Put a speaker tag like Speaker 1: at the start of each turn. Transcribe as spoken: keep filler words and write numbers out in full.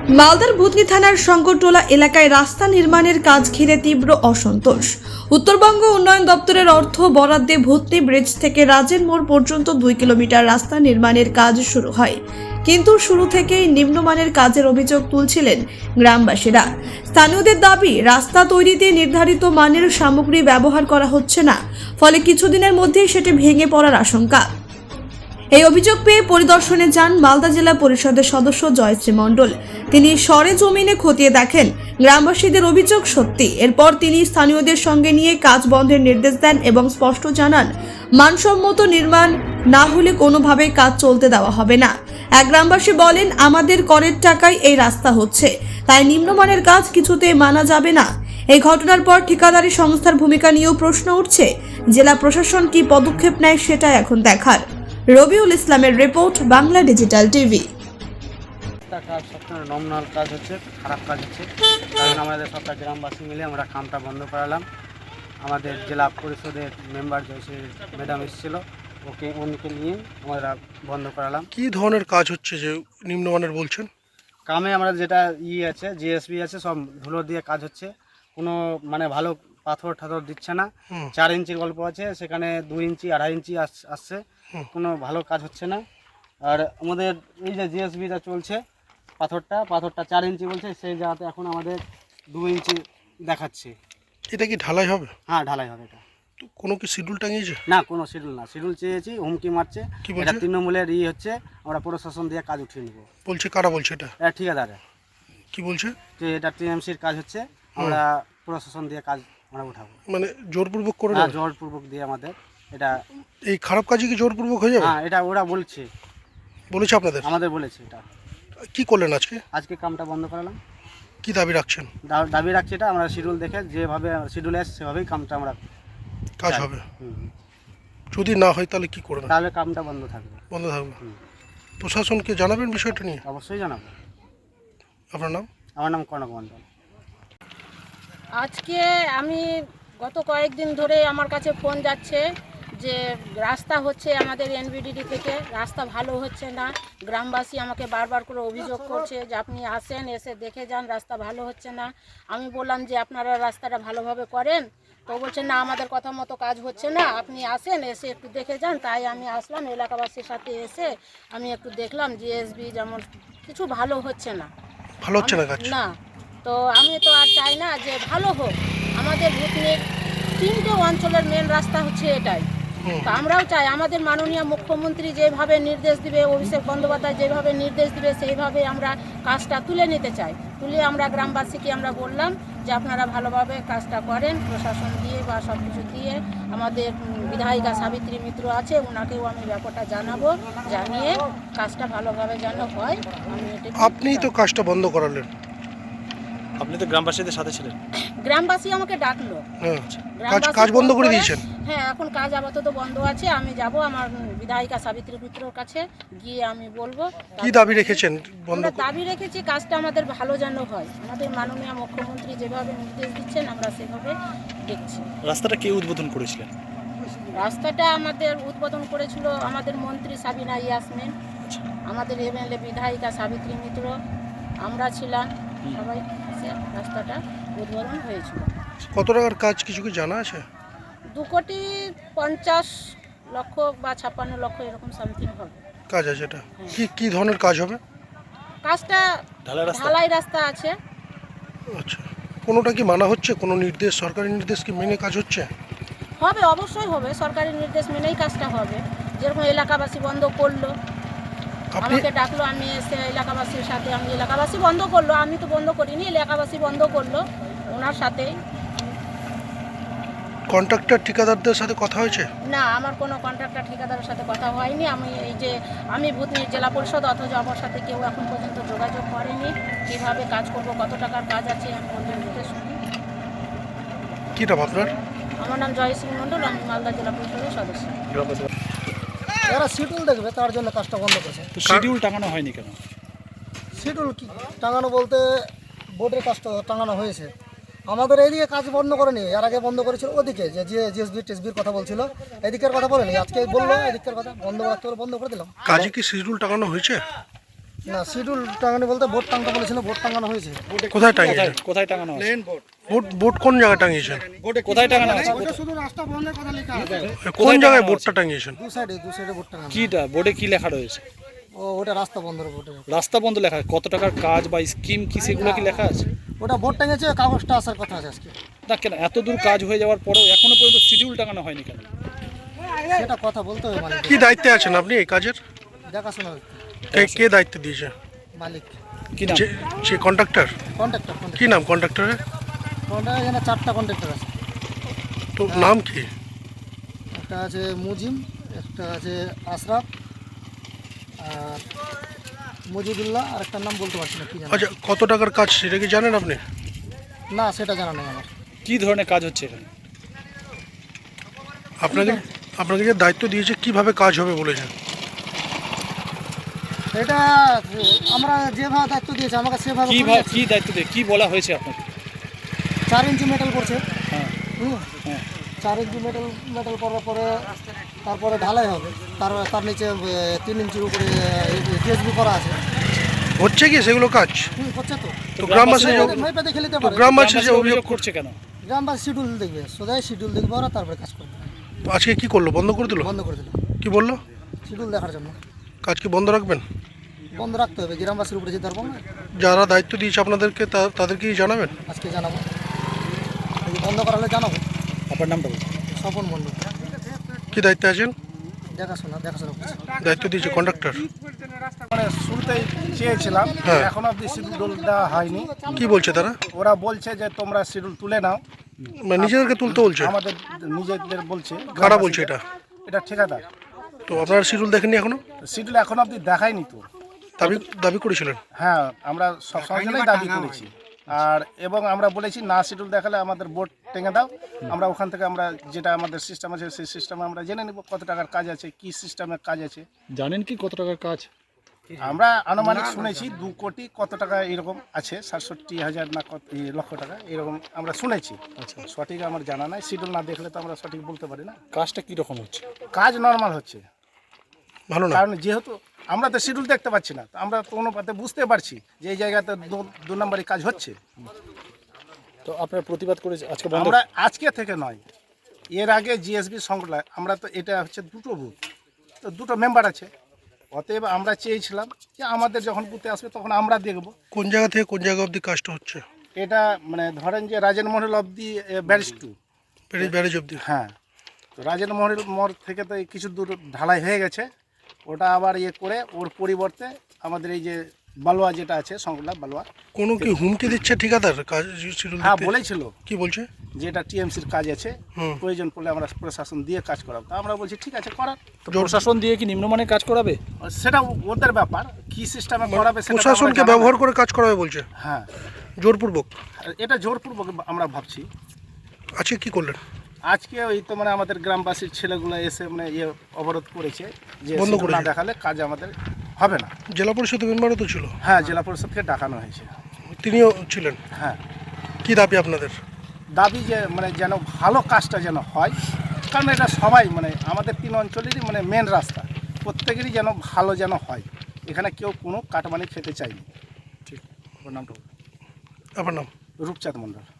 Speaker 1: মালদার ভূতনি থানার শঙ্করটোলা এলাকায় রাস্তা নির্মাণের কাজ ঘিরে তীব্র অসন্তোষ। উত্তরবঙ্গ উন্নয়ন দপ্তরের অর্থ বরাদ্দে ভূতনি ব্রিজ থেকে রাজের মোড় পর্যন্ত দুই কিলোমিটার রাস্তা নির্মাণের কাজ শুরু হয়, কিন্তু শুরু থেকেই নিম্নমানের কাজের অভিযোগ তুলছিলেন গ্রামবাসীরা। স্থানীয়দের দাবি, রাস্তা তৈরিতে নির্ধারিত মানের সামগ্রী ব্যবহার করা হচ্ছে না, ফলে কিছুদিনের মধ্যেই সেটি ভেঙে পড়ার আশঙ্কা। এই অভিযোগ পেয়ে পরিদর্শনে যান মালদা জেলা পরিষদের সদস্য জয়শ্রী মণ্ডল। তিনি সরেজমিনে খতিয়ে দেখেন গ্রামবাসীদের অভিযোগ সত্যি। এরপর তিনি স্থানীয়দের সঙ্গে নিয়ে কাজ বন্ধের নির্দেশ দেন এবং স্পষ্ট জানান, মানসম্মত নির্মাণ না হলে কোনোভাবেই কাজ চলতে দেওয়া হবে না। এক গ্রামবাসী বলেন, আমাদের করের টাকায় এই রাস্তা হচ্ছে, তাই নিম্নমানের কাজ কিছুতেই মানা যাবে না। এই ঘটনার পর ঠিকাদারি সংস্থার ভূমিকা নিয়েও প্রশ্ন উঠছে। জেলা প্রশাসন কি পদক্ষেপ নেয় সেটা এখন দেখার। রবিউল ইসলামের রিপোর্ট, বাংলা ডিজিটাল টিভি।
Speaker 2: কাজ সবসময় নমনাল কাজ হচ্ছে, খারাপ কাজ হচ্ছে, কারণ আমাদের সবটা গ্রামবাসী মিলে আমরা কামটা বন্ধ করালাম। আমাদের জেলা পরিষদের মেম্বার জয়শ্রী ম্যাডাম এসেছিল, ওকে উনিকে নিয়ে আমরা বন্ধ করালাম।
Speaker 3: কি ধরনের কাজ হচ্ছে যে নিম্নমানের বলছেন?
Speaker 2: কামে আমরা যেটা ই আছে, জিএসবি আছে, সব ধুলো দিয়ে কাজ হচ্ছে, কোনো মানে ভালো পাথর ঠাথর দিচ্ছে না। চার ইঞ্চির গল্প আছে, সেখানে দুই ইঞ্চি আড়াই ইঞ্চি আসছে, কোনো ভালো কাজ হচ্ছে না। আর আমাদের এই যে জিএসবিটা চলছে, পাথরটা পাথরটা চার ইঞ্চি বলছে, সেই জায়গাতে এখন আমাদের দু ইঞ্চি দেখাচ্ছে।
Speaker 3: এটা কি ঢালাই হবে?
Speaker 2: হ্যাঁ, ঢালাই হবে। এটা
Speaker 3: তো কোনো কি শিডিউল টাঙিয়েছে?
Speaker 2: না, কোনো শিডিউল না। শিডিউল চেয়েছি, হুমকি মারছে। এটা তৃণমূলের ই হচ্ছে, আমরা প্রশাসন দিয়ে কাজ উঠিয়ে নেবো
Speaker 3: বলছে। কারা বলছে এটা?
Speaker 2: এটা ঠিকাদারে।
Speaker 3: কি বলছে? যে
Speaker 2: এটা টিএমসির কাজ হচ্ছে, আমরা প্রশাসন দিয়ে কাজ আমরা উঠাবো।
Speaker 3: মানে জোরপূর্বক করে?
Speaker 2: হ্যাঁ, জোরপূর্বক দিয়ে আমাদের এটা।
Speaker 3: এই খারাপ কাজে কি জোরপূর্বক হয়ে যাবে?
Speaker 2: হ্যাঁ, এটা ওরা বলছে,
Speaker 3: বলেছে আপনাদের?
Speaker 2: আমাদের বলেছে। এটা
Speaker 3: কি করলেন আজকে?
Speaker 2: আজকে কামটা বন্ধ করালাম।
Speaker 3: কি দাবি রাখছেন?
Speaker 2: দা- দাবি রাখছি এটা, আমরা শিডিউল দেখে যেভাবে শিডিউল আসছে সেভাবেই কামটা আমরা
Speaker 3: কাজ
Speaker 2: চাই।
Speaker 3: হবে।
Speaker 2: হুম।
Speaker 3: যদি না হয় তাহলে কি করবেন?
Speaker 2: তাহলে কামটা বন্ধ থাকবে।
Speaker 3: বন্ধ থাকবে। প্রশাসনকে জানাবেন বিষয়টা নিয়ে?
Speaker 2: অবশ্যই জানাবো।
Speaker 3: আপনার নাম?
Speaker 2: আমার নাম কনক মণ্ডল।
Speaker 4: আজকে আমি গত কয়েকদিন ধরে আমার কাছে ফোন যাচ্ছে যে রাস্তা হচ্ছে আমাদের এনবিডিডি থেকে, রাস্তা ভালো হচ্ছে না। গ্রামবাসী আমাকে বারবার করে অভিযোগ করছে যে আপনি আসেন, এসে দেখে যান, রাস্তা ভালো হচ্ছে না। আমি বললাম যে আপনারা রাস্তাটা ভালোভাবে করেন, তো বলছে না, আমাদের কথা মতো কাজ হচ্ছে না, আপনি আসেন, এসে একটু দেখে যান। তাই আমি আসলাম, এলাকাবাসীর সাথে এসে আমি একটু দেখলাম জিএসবি যেমন কিছু ভালো হচ্ছে না।
Speaker 3: ভালো হচ্ছে না কাজ?
Speaker 4: না, তো আমি তো আর চাই না যে ভালো হোক। আমাদের ভূতনির তিনটে অঞ্চলের মেন রাস্তা হচ্ছে এটাই। তো আমরাও চাই আমাদের মাননীয় মুখ্যমন্ত্রী যেভাবে নির্দেশ দিবে, অভিষেক বন্দ্যোপাধ্যায় যেভাবে নির্দেশ দিবে, সেইভাবে আমরা কাজটা তুলে নিতে চাই। তুলে আমরা গ্রামবাসীকে আমরা বললাম যে আপনারা ভালোভাবে কাজটা করেন, প্রশাসন দিয়ে বা সব কিছু দিয়ে। আমাদের বিধায়িকা সাবিত্রী মিত্র আছে, ওনাকেও আমি ব্যাপারটা জানাবো, জানিয়ে কাজটা ভালোভাবে যেন হয়। আমি এটা
Speaker 3: আপনিই তো কাজটা বন্ধ করালেন।
Speaker 5: আপনি তো গ্রামবাসীদের সাথে ছিলেন।
Speaker 4: গ্রামবাসী আমাকে ডাকলো।
Speaker 3: হ্যাঁ, কাজ
Speaker 4: গ্রামবাসী
Speaker 3: কাজ বন্ধ
Speaker 4: ফোন
Speaker 3: করে দিয়েছেন?
Speaker 4: হ্যাঁ, এখন কাজ আপাতত বন্ধ আছে। আমি যাব আমার বিধায়িকা সাবিত্রী মিত্রর কাছে, গিয়ে আমি বলবো
Speaker 3: কি দাবি রেখেছেন বন্ধ?
Speaker 4: আমরা দাবি রেখেছি কাজটা আমাদের ভালো যেন হয়। আমাদের মাননীয় মুখ্যমন্ত্রী যেভাবে নির্দেশ দিচ্ছেন আমরা সেভাবে দেখছি।
Speaker 5: রাস্তাটা কে উদ্বোধন করেছিলেন?
Speaker 4: রাস্তাটা আমাদের উদ্বোধন করেছিল আমাদের মন্ত্রী সাবিনা ইয়াসমিন, আমাদের এমএলএ বিধায়িকা সাবিত্রী মিত্র, আমরা ছিলাম সবাই। রাস্তাটা উদ্বোধন হয়েছিল।
Speaker 3: কত টাকার কাজ কিছু কি জানা আছে?
Speaker 4: দু কোটি পঞ্চাশ লক্ষ বা ছাপ্পান্ন লক্ষ এরকম সামথিং হবে
Speaker 3: কাজ আছে। এটা কি কি ধরনের কাজ হবে?
Speaker 4: কাজটা
Speaker 5: ঢালাই রাস্তা?
Speaker 4: ঢালাই রাস্তা আছে।
Speaker 3: আচ্ছা, কোনোটা কি মানা হচ্ছে? কোনো নির্দেশ, সরকারি নির্দেশ কি মেনে কাজ হচ্ছে?
Speaker 4: হবে, অবশ্যই হবে, সরকারি নির্দেশ মেনেই কাজটা হবে। যেরকম এলাকাবাসী বন্ধ করলো,
Speaker 3: আপনি
Speaker 4: আমাকে ডাকলো, আমি এসে এলাকাবাসীর সাথে, আমি এলাকাবাসী বন্ধ করলো, আমি তো বন্ধ করিনি, এলাকাবাসী বন্ধ করলো, ওনার সাথেই।
Speaker 3: কন্ট্রাক্টর ঠিকাদারদের সাথে কথা হয়েছে?
Speaker 4: না, আমার কোনো কন্ট্রাক্টর ঠিকাদারের সাথে কথা হয়নি। আমি এই যে আমি ভূতনির জেলা পরিষদ, অথচ আমার সাথে কেউ এখন পর্যন্ত যোগাযোগ করেনি। কীভাবে কাজ করব, কত টাকার কাজ আছে, আমি পর্যন্ত শুনি।
Speaker 3: কী নাম আপনার?
Speaker 4: আমার নাম জয়শ্রী মণ্ডল, আমি মালদা জেলা পরিষদের সদস্য।
Speaker 6: যারা শিডিউল দেখবে তার জন্য কাজটা বন্ধ করেছে।
Speaker 5: তো শিডিউল টাঙানো হয়নি কেন?
Speaker 6: শিডিউল কি টাঙানো বলতে বোর্ডের কাজটা টাঙানো হয়েছে। আমাদের এইদিকে কাজ বন্ধ করেনি, এর আগে বন্ধ করেছিল ওদিকে, যে জিএসবি টেসবির কথা বলছিল, এদিকের কথা বলেনি। আজকে বললো এদিকের কথা বন্ধ রাখতে বলে বন্ধ করে দিলাম।
Speaker 3: কাজে কি শিডিউল টাঙানো হয়েছে?
Speaker 6: না শিডিউল টাঙানো বলতে বোর্ড টাঙানো বলেছিল, বোর্ড টাঙানো হয়েছে।
Speaker 3: কোথায় টাঙিয়েছেন?
Speaker 5: কোথায় কোথায় টাঙানো আছে?
Speaker 3: বোর্ড বোর্ড কোন জায়গায় টাঙিয়েছেন?
Speaker 5: কোথায় টাঙানো আছে?
Speaker 6: ওটা শুধু রাস্তা বন্ধের কথা লেখা আছে।
Speaker 3: কোন জায়গায় বোর্ডটা টাঙিয়েছেন?
Speaker 6: দু সাইডে দু সাইডে বোর্ড টাঙানো।
Speaker 5: কিটা বোর্ডে কি লেখা রয়েছে?
Speaker 6: ও ওটা রাস্তা বন্ধের বোর্ডে।
Speaker 5: রাস্তা বন্ধ লেখা আছে। কত টাকার কাজ বা স্কিম কি সেগুলো কি লেখা আছে?
Speaker 6: ওটা বোর্ড টাঙিয়েছে, কাগজটা আসার কথা আছে আজকে।
Speaker 5: না কেন এত দূর কাজ হয়ে যাওয়ার পরেও এখনো পর্যন্ত শিডিউল টাঙানো হয়নি কেন?
Speaker 6: সেটা কথা বলতে হবে মালিক।
Speaker 3: কি দায়িত্বে আছেন আপনি এই কাজের?
Speaker 6: দেখাশোনা
Speaker 3: কে কে দায়িত্ব দিয়েছে?
Speaker 6: মালিক,
Speaker 5: কি নাম?
Speaker 3: যে সে কন্ট্রাক্টর?
Speaker 6: কন্ট্রাক্টর।
Speaker 3: কি নাম কন্ট্রাক্টরের?
Speaker 6: কন্ট্রাক্টর এখানে চারটা কন্ট্রাক্টর আছে।
Speaker 3: তো নাম কি?
Speaker 6: একটা আছে মুজিম, একটা আছে আশরাফ, আর মজিদুল্লাহ, আর একটা নাম বলতে পারছি না কি জানি।
Speaker 3: আচ্ছা, কত টাকার কাজ সেটা কি জানেন আপনি?
Speaker 6: না সেটা জানা নেই আমার।
Speaker 5: কি ধরনের কাজ হচ্ছে এখানে?
Speaker 3: আপনাকে আপনাকে যে দায়িত্ব দিয়েছে কিভাবে কাজ হবে বলেছেন?
Speaker 6: এটা আমরা যেভাবে দায়িত্ব দিয়েছি আমাকে সেভাবে
Speaker 5: কি
Speaker 6: করে
Speaker 5: ভা-
Speaker 6: যাচ্ছি।
Speaker 5: কি দায়িত্ব দিয়ে কি বলা হয়েছে আপনাকে?
Speaker 6: চার ইঞ্চি মেটাল করছে।
Speaker 5: হ্যাঁ
Speaker 6: হুম,
Speaker 5: হ্যাঁ
Speaker 6: চার ইঞ্চি মেটাল মেটাল করার পরে তারপরে ঢালাই হবে। তার তার নিচে এ, তিন ইঞ্চির উপরে টিএসবি করা আছে।
Speaker 3: হচ্ছে কি সেগুলো কাজ?
Speaker 6: হুম, হচ্ছে তো।
Speaker 3: তো গ্রামবাসী যে
Speaker 6: মেপে দেখে নিতে
Speaker 3: তো
Speaker 6: পারে।
Speaker 3: গ্রামবাসী যে
Speaker 5: গ্রামবাসী
Speaker 3: অভিযোগ
Speaker 5: অভিযোগ করছে কেন?
Speaker 6: গ্রামবাসী শিডিউল দেখবে, সোজাই শিডিউল দেখবে ওরা, তারপরে কাজ করবে।
Speaker 3: তো আজকে কি করলো? বন্ধ করে দিল?
Speaker 6: বন্ধ করে দিল
Speaker 3: কি বললো?
Speaker 6: শিডিউল দেখার জন্য।
Speaker 3: কাজ কি বন্ধ রাখবেন?
Speaker 6: বন্ধ রাখতে হবে, গ্রামবাসীর উপরে যেতে পারবো না।
Speaker 3: যারা দায়িত্ব দিয়েছে আপনাদেরকে তা- তাদেরকেই জানাবেন?
Speaker 6: আজকে জানাবো, যদি বন্ধ করালে জানাবো।
Speaker 5: আপনার নামটা বলুন।
Speaker 6: স্বপন মণ্ডল,
Speaker 3: কি দায়িত্বে আছেন?
Speaker 6: দেখাশোনা দেখাশোনা করছে।
Speaker 3: দায়িত্ব দিয়েছে কন্ডাক্টর।
Speaker 2: মানে শুরুতেই চেয়েছিলাম,
Speaker 3: হ্যাঁ।
Speaker 2: এখন অব্দি শিডিউল দেওয়া হয়নি।
Speaker 3: কি বলছে তারা?
Speaker 2: ওরা বলছে যে তোমরা শিডিউল তুলে নাও।
Speaker 3: মানে নিজেদেরকে তুলতে বলছে?
Speaker 2: আমাদের নিজেদের বলছে।
Speaker 3: কারা বলছে এটা?
Speaker 2: এটা ঠিকাদার।
Speaker 3: তো আপনারা শিডিউল দেখেননি এখনো?
Speaker 2: শিডিউল এখন অব্দি দেখায়নি তো।
Speaker 3: দাবি দাবি করেছিলেন?
Speaker 2: হ্যাঁ, আমরা সবসময় জন্যই দাবি করেছি। আর এবং আমরা বলেছি না শিডিউল দেখালে আমাদের বোর্ড টেঙে দাও, আমরা ওখান থেকে আমরা যেটা আমাদের সিস্টেম আছে সেই সিস্টেমে আমরা জেনে নেব কত টাকার কাজ আছে, কি সিস্টেমে কাজ আছে।
Speaker 5: জানেন কি কত টাকার কাজ?
Speaker 2: আমরা আনুমানিক শুনেছি দু কোটি কত টাকা এরকম আছে, সাতষট্টি হাজার না কত এই লক্ষ টাকা এরকম আমরা শুনেছি।
Speaker 5: আচ্ছা,
Speaker 2: সঠিক আমার জানা নাই, শিডিউল না দেখলে তো আমরা সঠিক বলতে পারি না।
Speaker 5: কাজটা কি রকম হচ্ছে?
Speaker 2: কাজ নর্মাল হচ্ছে,
Speaker 3: ভালো না?
Speaker 2: কারণ যেহেতু আমরা তো শিডিউল দেখতে পাচ্ছি না, তো আমরা তো অনুপাতে বুঝতে পারছি যে এই জায়গাতে দু- দু নম্বরই কাজ হচ্ছে।
Speaker 5: তো আপনারা প্রতিবাদ করে আজকে বন্ধ?
Speaker 2: আমরা আজকে থেকে নয়, এর আগে জিএসবি সংগঠন, আমরা তো এটা হচ্ছে দুটো বুথ, তো দুটো মেম্বার আছে, অতএব আমরা চেয়েছিলাম যে আমাদের যখন বুথে আসবে তখন আমরা দেখব।
Speaker 3: কোন জায়গা থেকে কোন জায়গা অবধি কাজটা হচ্ছে?
Speaker 2: এটা মানে ধরেন যে রাজেন মহল অব্দি ব্যারিজ টু।
Speaker 3: ব্যারেজ ব্যারেজ অবধি?
Speaker 2: হ্যাঁ, তো রাজেন মহল মোড় থেকে তো এই কিছু দূর ঢালাই হয়ে গেছে, ওটা আবার ইয়ে করে ওর পরিবর্তে আমাদের এই যে বালুয়া যেটা আছে সংগঠন বালুয়া,
Speaker 3: কোনো কি হুমকি দিচ্ছে ঠিকাদার কাজ শিডিউল
Speaker 2: হ্যাঁ
Speaker 3: দিতে?
Speaker 2: বলেছিল
Speaker 3: কি বলছে?
Speaker 2: যে এটা টিএমসির কাজ আছে,
Speaker 3: হুম।
Speaker 2: প্রয়োজন পড়লে আমরা প্রশাসন দিয়ে কাজ করাবো। তা আমরা বলছি ঠিক আছে করার,
Speaker 5: তো প্রশাসন দিয়ে কি নিম্নমানের কাজ করাবে?
Speaker 2: সেটা ওদের ব্যাপার, কি সিস্টেমে করাবে সেটা তো আমরা
Speaker 3: প্রশাসনকে
Speaker 2: জানা
Speaker 3: ব্যবহার
Speaker 2: নাই।
Speaker 3: করে কাজ করাবে বলছে
Speaker 2: হ্যাঁ,
Speaker 3: জোরপূর্বক?
Speaker 2: আর এটা জোরপূর্বক আমরা ভাবছি।
Speaker 3: আজকে কি করলেন?
Speaker 2: আজকে ওই তো মানে আমাদের গ্রামবাসীর ছেলেগুলো এসে মানে ইয়ে অবরোধ করেছে যে
Speaker 3: বন্ধ
Speaker 2: শিডিউল না
Speaker 3: করেছে?
Speaker 2: দেখালে কাজ আমাদের হবে না।
Speaker 3: জেলা পরিষদ মেম্বারও তো ছিল?
Speaker 2: হ্যাঁ, জেলা পরিষদকে ডাকানো হয়েছে।
Speaker 3: তিনিও ছিলেন?
Speaker 2: হ্যাঁ,
Speaker 3: কি দাবি আপনাদের?
Speaker 2: দাবি যে মানে যেন ভালো কাজটা যেন হয়, কারণ এটা সবাই মানে আমাদের তিন অঞ্চলেরই মানে মেন রাস্তা, প্রত্যেকেরই যেন ভালো যেন হয়, এখানে কেউ কোনো কাটমানি খেতে চায়নি।
Speaker 5: ঠিক, আপনার নামটা বলুন।
Speaker 3: আপনার নাম?
Speaker 2: রূপচাঁদ মণ্ডল।